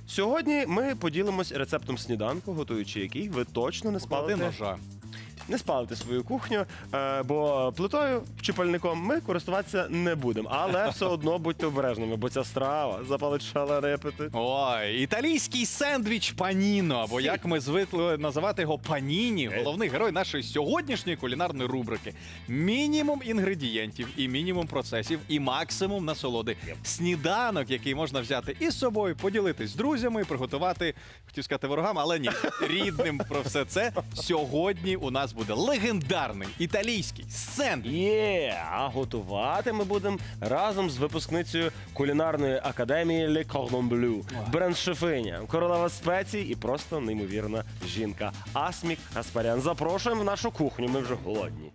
Сьогодні ми поділимось рецептом сніданку, готуючи який ви точно не Поклади спалите. ножа. Не спалите свою кухню, бо плитою чи пальником ми користуватися не будемо. Але все одно будьте обережними, бо ця страва запалить шалений апетит. Ой, італійський сендвіч паніно, або як ми звикли називати його паніні, головний герой нашої сьогоднішньої кулінарної рубрики. Мінімум інгредієнтів і мінімум процесів, і максимум насолоди. Сніданок, який можна взяти із собою, поділитись з друзями, приготувати, хотів сказати ворогам, але ні, рідним про все це. Сьогодні у нас буде легендарний італійський сендвіч. А готувати ми будемо разом з випускницею кулінарної академії Le Cordon Bleu. Бренд-шефиня, королева спецій і просто неймовірна жінка. Асмік Гаспарян. Запрошуємо в нашу кухню, ми вже голодні.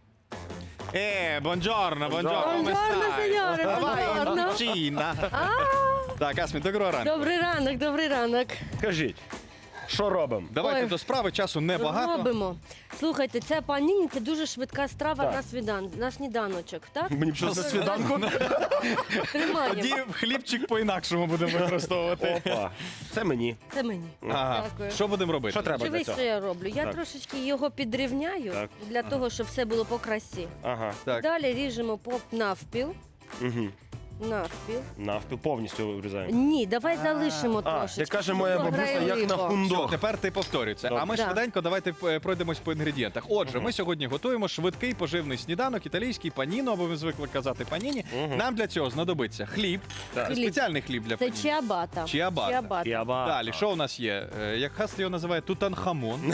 Бонджорно, Buongiorno, signore, buongiorno. Чіна. Так, Асмі, доброго ранку. Добрий ранок, добрий ранок. Кажіть, що робимо? Давайте Ой. до справи, часу небагато. Робимо. Слухайте, це паніні, це дуже швидка страва Так. на сніданочок, так? Мені б щось на свіданку. Тримаємо. Тоді хлібчик по-інакшому будемо використовувати. Опа, це мені. Це мені. Ага. Дякую. Що будемо робити? Що треба для Дивись, цього? що я роблю. Я Так. трошечки його підрівняю Так. для того, щоб все було по красі. Ага. Так. Далі ріжемо навпіл. Угу. Навпіл. Навпіл повністю вирізаємо. Ні, давай залишимо А, трошечки. як каже моя щоб бабуся, як на грайливо. хундо. Тепер ти повторюй це. Добре. А ми Да. швиденько давайте пройдемось по інгредієнтах. Отже, ми сьогодні готуємо швидкий поживний сніданок, італійський паніно, або ми звикли казати паніні. Нам для цього знадобиться хліб. Це Хліб. спеціальний хліб для Це паніні. чиабата. Чиабата. Яба. Далі, що у нас є? Як Хас його називає, тутанхамон,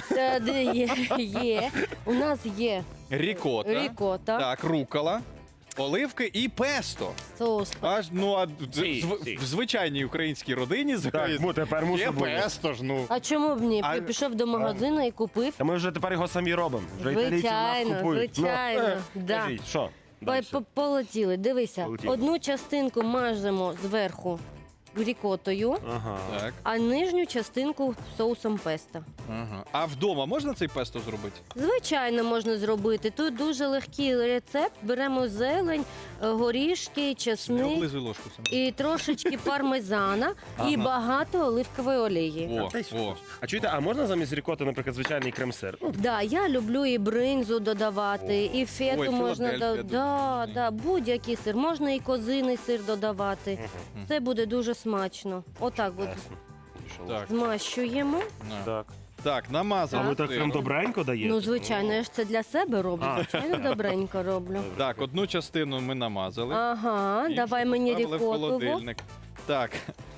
Є. У нас є рікота, рікота, так, рукола, оливки і песто. соус. Аж, Сі. в звичайній українській родині Так, тепер є мусить бути. песто ж, ну. А чому б ні? А- Пішов до магазину і купив. Та ми вже тепер його самі робимо. Вже італійці в нас Звичайно, купують. звичайно, Ну, да. Кажіть, що? Ой, Далі. Полетіли. Дивися, Полетіли. одну частинку мажемо зверху рікотою, Ага. Так. а нижню частинку соусом песто. Ага. А вдома можна цей песто зробити? Звичайно, можна зробити. Тут дуже легкий рецепт. Беремо зелень, горішки, Не чесник облизуй ложку саме. і трошечки пармезана, і багато оливкової олії. О, Та й що? о. А чуєте, а можна замість рікоти, наприклад, звичайний крем-сир? Ну, Да, я люблю і бринзу додавати, і фету Ой, можна Філадельфія дуже будь-який сир. Можна і козиний сир додавати. Це буде дуже смачно. Отак от ясно. Пішов. Так, змащуємо. на. Так. Так, А намазали. ви так прям добренько даєте? Ну, звичайно, я ж це для себе роблю. А. Звичайно, добренько роблю. Так, одну частину ми намазали. Ага, Іншу давай мені поставили в рікотову. холодильник. Так.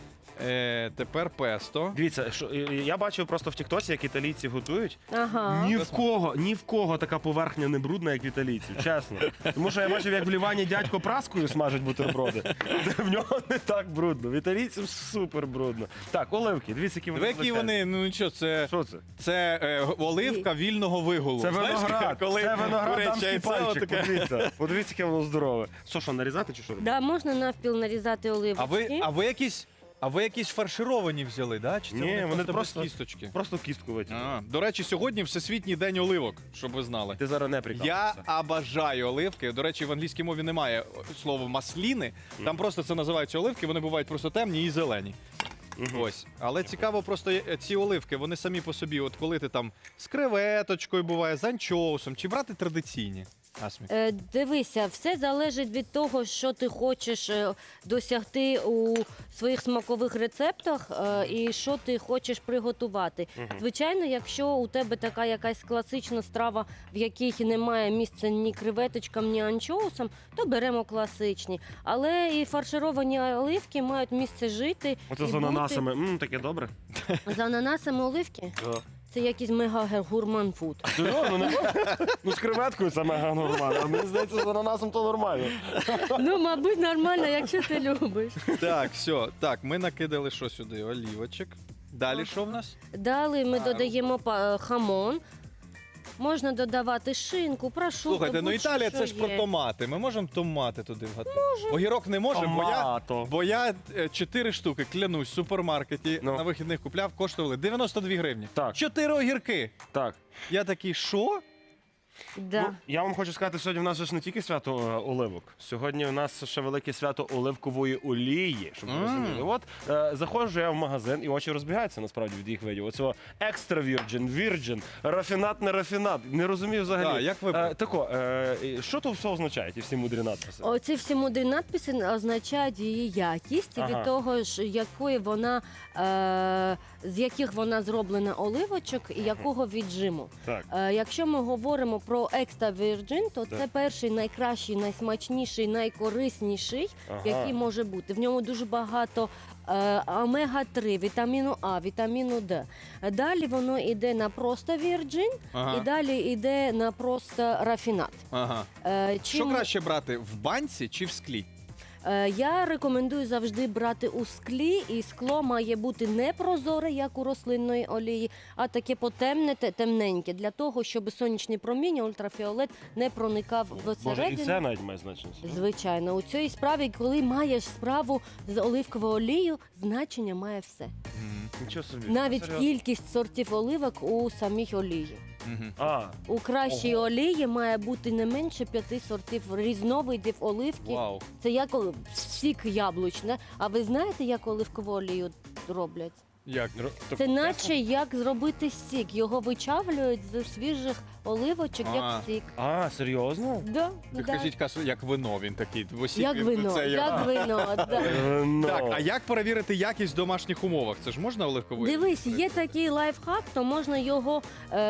Тепер песто. Дивіться, що, я бачив просто в Тіктоці, як італійці готують. Ага. Ні в кого така поверхня не брудна, як в італійців, чесно. Тому що я бачив, як в Лівані дядько праскою смажить бутерброди. В нього не так брудно. В італійців супер брудно. Так, оливки, дивіться, які вони. Які величезні. вони, ну нічого, це Що це? оливка вільного вигулу. Це Знаєш, виноград. коли Це виноград куряче дамський яйце пальчик. отаке. Подивіться. Подивіться, яке воно здорове. Що, нарізати чи що робити? Да, можна навпіл нарізати оливочки. А ви якісь фаршировані взяли, да? Чи це Ні, вони без просто- кісточки? Просто кістку витягнути. До речі, сьогодні Всесвітній день оливок, щоб ви знали. Ти зараз не Я прикалуєшся. обожаю оливки. До речі, в англійській мові немає слова масліни. Там просто це називаються оливки, вони бувають просто темні і зелені. Ось. Але цікаво, просто ці оливки, вони самі по собі, от коли ти там з креветочкою буває, з анчоусом, чи брати традиційні? Асмі. Дивися, все залежить від того, що ти хочеш досягти у своїх смакових рецептах і що ти хочеш приготувати. Звичайно, якщо у тебе така якась класична страва, в якій немає місця ні креветочкам, ні анчоусам, то беремо класичні. Але і фаршировані оливки мають місце жити. Оце і з бути. ананасами. Таке добре. З ананасами оливки? Це якийсь мега-гурман-фуд. Ну, з креветкою це мега нормально. А мені здається, з ананасом то нормально. Ну, мабуть, нормально, якщо ти любиш. Так, все. Так, ми накидали що сюди? Олівочок. Далі що в нас? Далі ми додаємо хамон. Можна додавати шинку, прошу. Слухайте, ну Італія це ж про томати. Ми можемо томати туди вгадати? Огірок не можемо, Томато. бо я 4 штуки, клянусь, в супермаркеті Ну. на вихідних купляв, коштували 92 гривні. Так. 4 огірки. Так. Я такий, що? Да. Ну, я вам хочу сказати, сьогодні в нас же ж не тільки свято оливок. Сьогодні у нас ще велике свято оливкової олії, щоб ви розуміли. От заходжу я в магазин, і очі розбігаються насправді від їх видів. Оцього екстра вірджин, рафінат, не рафінат. Не розумію взагалі. Да, як ви- Що то все означає, ті всі мудрі надписи? Оці всі мудрі надписи означають її якість Ага. від того ж, якої вона, з яких вона зроблена оливочок і якого віджиму. Так. Якщо ми говоримо про Extra Virgin, то це перший найкращий, найсмачніший, найкорисніший, Ага. який може бути. В ньому дуже багато омега-3, вітаміну А, вітаміну Д. Далі воно йде на просто Virgin, Ага. і далі йде на просто рафінат. Ага. Що Чим- краще брати, в банці чи в склі? Я рекомендую завжди брати у склі, і скло має бути не прозоре, як у рослинної олії, а таке потемне, темненьке, для того, щоб сонячні проміння, ультрафіолет не проникав Може, і всередину. це навіть має значення. Звичайно, у цій справі, коли маєш справу з оливковою олією, значення має все. Нічого собі. Навіть Серйозно? кількість сортів оливок у самій олії. Мгм. А, У кращій олії має бути не менше 5 сортів різновидів оливки. Вау. Це як сік яблучний. А ви знаєте, як оливкову олію роблять? Як? Це наче як зробити сік. Його вичавлюють з свіжих оливочок, А. як сік. а, серйозно? Да, Ти да. кажіть, Касу, як вино він такий. Осік Як він- вино, це як вино. Да. Так, а як перевірити якість в домашніх умовах? Це ж можна оливковою? Дивись, є такий лайфхак, то можна його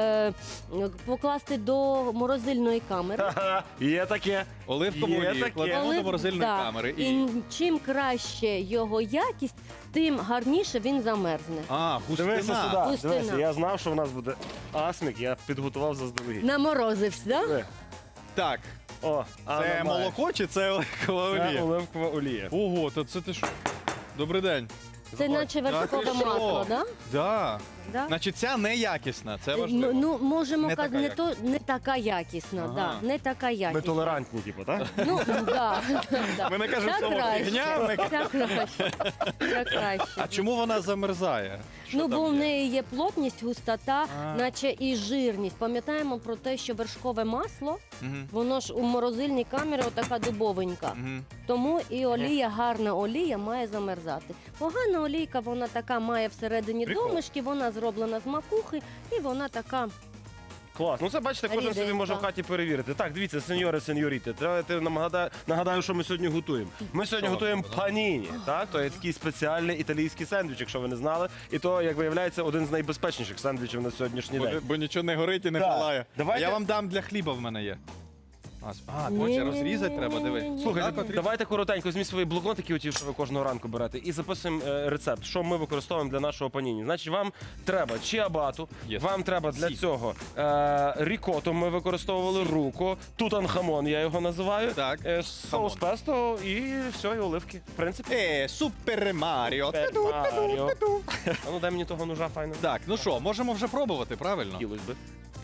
покласти до морозильної камери. Ха-ха, є таке. Оливкову Є олію таке. кладемо до морозильної Да. камери. І чим краще його якість, тим гарніше він замерзне. А, Дивися густина. сюди, Густина. дивися, я знав, що в нас буде асмік, я підготував заздалегідь. Наморозився, да? Так, О, це молоко чи це оливкова Це олія? оливкова олія. Ого, то це ти що? Добрий день. Це наче Та вершкове ти що? масло, да? Да. Да? Значить, ця неякісна, це важливо. Ну, можемо Не казати, така не така якісна, Ага. да, не така Ми якісна. толерантні, типу, так? Ну, да, да. Ми не кажемо Так слово краще, фігня, ми так краще, так краще. А чому вона замерзає? Що Ну, там бо в є? неї є плотність, густота, А. наче і жирність. Пам'ятаємо про те, що вершкове масло, Мгм. воно ж у морозильній камері отака дубовенька. Мгм. Тому і олія, гарна олія має замерзати. Погана олійка, вона така має всередині Прикол. домишки, вона зроблена з макухи, і вона така. Клас. Ну це бачите, кожен собі Ріденька. може в хаті перевірити. Так, дивіться, сеньори, сеньоріти, давайте нагадаю, що ми сьогодні готуємо. Ми сьогодні Що готуємо готуємо, паніні. Так, то є такий спеціальний італійський сендвіч, якщо ви не знали. І то, як виявляється, один з найбезпечніших сендвічів на сьогоднішній день. Бо нічого не горить і не Так. палає. Давайте- Я вам дам для хліба в мене є. А, Ні, хоче ні, розрізати ні, треба, ні, диви. ні, ні. Слухайте, давайте коротенько, візьміть свої блокнотики, оті, що ви кожного ранку берете, і записуємо рецепт, що ми використовуємо для нашого паніні. Значить, вам треба чиабату, Yes. вам треба для Сі. цього рікоту, ми використовували руку, тутанхамон, я його називаю, Так, соус песто і все, і оливки. В принципі, Супер Маріо. Маріо. А ну дай мені того ножа файно. Так, ну що, можемо вже пробувати, правильно? Хотілось би.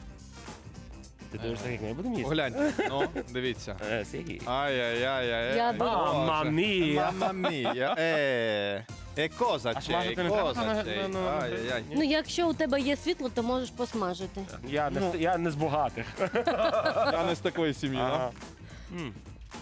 Ти думаєш, так як ми будемо їсти? Погляньте, ну, дивіться. Сергій. Ай-яй-яй-яй. Я буду- Мамма мія. Мамма мія. Cosa А c'è, смажити не cosa треба? c'è. Ну, Ай-яй-яй. Ну, якщо у тебе є світло, то можеш посмажити. Я не з багатих. Я не з такої сім'ї, Ага. да? М.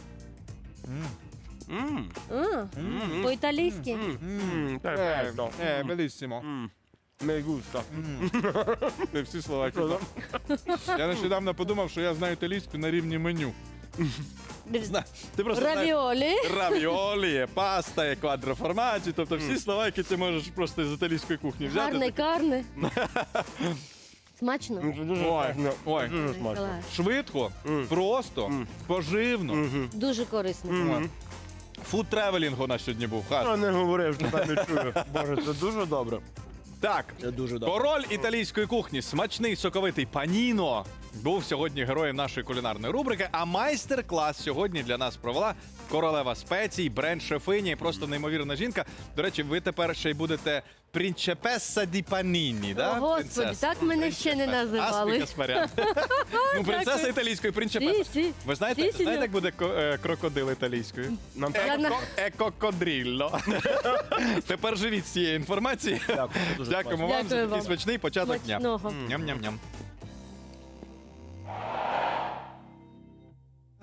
М. А, по-італійськи. Perfetto. Беліссимо. Mi gusta. Ти всі слова казав. Я нещодавно подумав, що я знаю італійську на рівні меню. Ти просто знаєш Равіолі. равіолі, паста, і квадроформаджі, тобто всі слова, які ти можеш просто з італійської кухні взяти. Гарне карне. Смачно? Дуже Ой, смачно. ой. Дуже смачно. Клас. Швидко, просто, поживно. Дуже корисно. Фуд тревелінг у нас сьогодні був. Хас. Я не говорив, що там не чую. Боже, це дуже добре. Так, Це дуже добре. король італійської кухні, смачний соковитий паніно, був сьогодні героєм нашої кулінарної рубрики. А майстер-клас сьогодні для нас провела королева спецій, бренд-шефиня і просто неймовірна жінка. До речі, ви тепер ще й будете принцепеса ді паніні, да? О, Господи, принцеса? так мене ще не називали. Аспіка Спарян. Ну, принцеса Дякую. італійської принцепеса. Сі. Ви знаєте, Сі, сеньор. як буде крокодил італійською? Нам Я на- Екокодрілло. Тепер живіть з цієї інформації. дуже Дякуємо вам за Дякую такий вам. смачний початок дня. Смачного. Ням-ням-ням.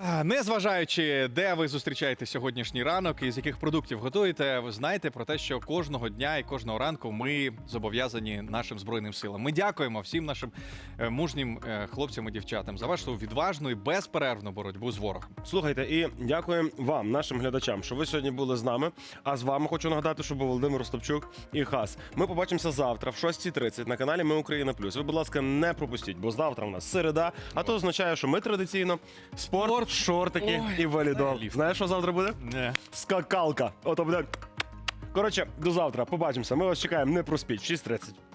Незважаючи, де ви зустрічаєте сьогоднішній ранок і з яких продуктів готуєте, ви знаєте про те, що кожного дня і кожного ранку ми зобов'язані нашим Збройним силам. Ми дякуємо всім нашим мужнім хлопцям і дівчатам за вашу відважну і безперервну боротьбу з ворогом. Слухайте, і дякуємо вам, нашим глядачам, що ви сьогодні були з нами. А з вами хочу нагадати, що був Володимир Остапчук і Хас. Ми побачимося завтра в 6:30 на каналі Ми Україна Плюс. Ви, будь ласка, не пропустіть, бо завтра у нас середа, а то означає, що ми традиційно спорт, шортики і валідол. Знаєш, що завтра буде? Не. Скакалка. Ото буде. Коротше, до завтра. Побачимося. Ми вас чекаємо. Не проспіть. 6:30.